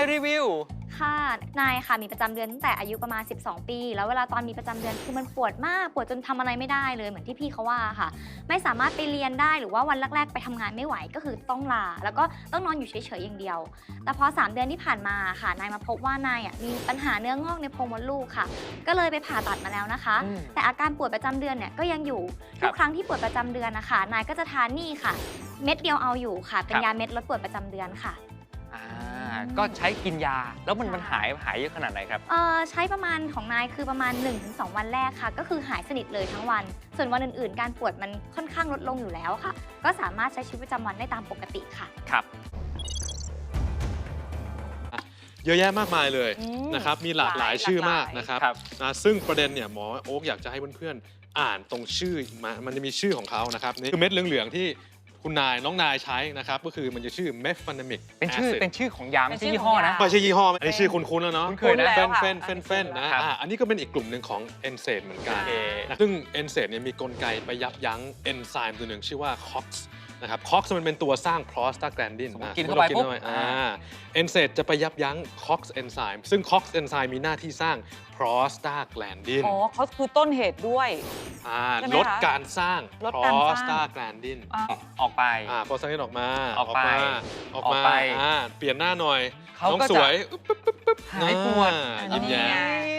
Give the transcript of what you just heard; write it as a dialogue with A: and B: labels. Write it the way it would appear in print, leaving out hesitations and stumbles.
A: รีวิว
B: ค่ะนายค่ะมีประจำเดือนตั้งแต่อายุประมาณ12 ปีแล้วเวลาตอนมีประจำเดือนคือมันปวดมากปวดจนทำอะไรไม่ได้เลยเหมือนที่พี่เขาว่าค่ะไม่สามารถไปเรียนได้หรือว่าวันแรกๆไปทำงานไม่ไหวก็คือต้องลาแล้วก็ต้องนอนอยู่เฉยๆอย่างเดียวแต่พอ3 เดือนที่ผ่านมาค่ะนายมาพบว่านายมีปัญหาเนื้องอกในโพรงมดลูกค่ะก็เลยไปผ่าตัดมาแล้วนะคะแต่อาการปวดประจำเดือนเนี่ยก็ยังอยู่ทุกครั้งที่ปวดประจำเดือนนะคะนายก็จะทานนี่ค่ะเม็ดเดียวเอาอยู่ค่ะเป็นยาเม็ดลดปวดประจำเดือนค่ะ
A: ก็ใช้กินยาแล้วมันหายเยอะขนาดไหนครับ
B: ใช้ประมาณของนายคือประมาณ 1-2 วันแรกค่ะก็คือหายสนิทเลยทั้งวันส่วนวันอื่นๆการปวดมันค่อนข้างลดลงอยู่แล้วค่ะก็สามารถใช้ชีวิตประจำวันได้ตามปกติค่ะ
A: ครับ
C: เยอะแยะมากมายเลยนะครับมีหลากหลายชื่อมากนะครับซึ่งประเด็นเนี่ยหมอโอ๊คอยากจะให้เพื่อนๆอ่านตรงชื่อมันจะมีชื่อของเขานะครับนี่คือเม็ดเหลืองๆที่คุณน้องนายใช้นะครับก็คือมันจะชื่อเมฟฟานมิก
A: เป็นชื่อของยาไม่ใช่ยี่ห้อนะ
C: ไม่ใช่ยี่ห้ออันนี้ชื่อคุ้นๆแล้วเนาะ
A: เคยนะ
C: เฟนนะอันนี้ก็เป็นอีกกลุ่มหนึ่งของเอนเซดเหมือนกันซึ่งเอนเซดเนี่ยมีกลไกไปยับยั้งเอนไซม์ตัวหนึ่งชื่อว่า COX นะครับ COX มันเป็นตัวสร้าง prostaglandin
A: กินเข้าไปปุ๊บ
C: เอนเซดจะไปยับยั้ง COX เอนไซม์ซึ่ง COX เอนไซม์มีหน้าที่สร้าง prostaglandin
D: อ๋อเขาคือต้นเหตุด้วย
C: ลดการสร้าง prostaglandin
A: ออกไป
C: prostaglandin ออกมาเปลี่ยนหน้าหน่อยน้องสวย
A: หายปวด
C: ยิ้มแย้ม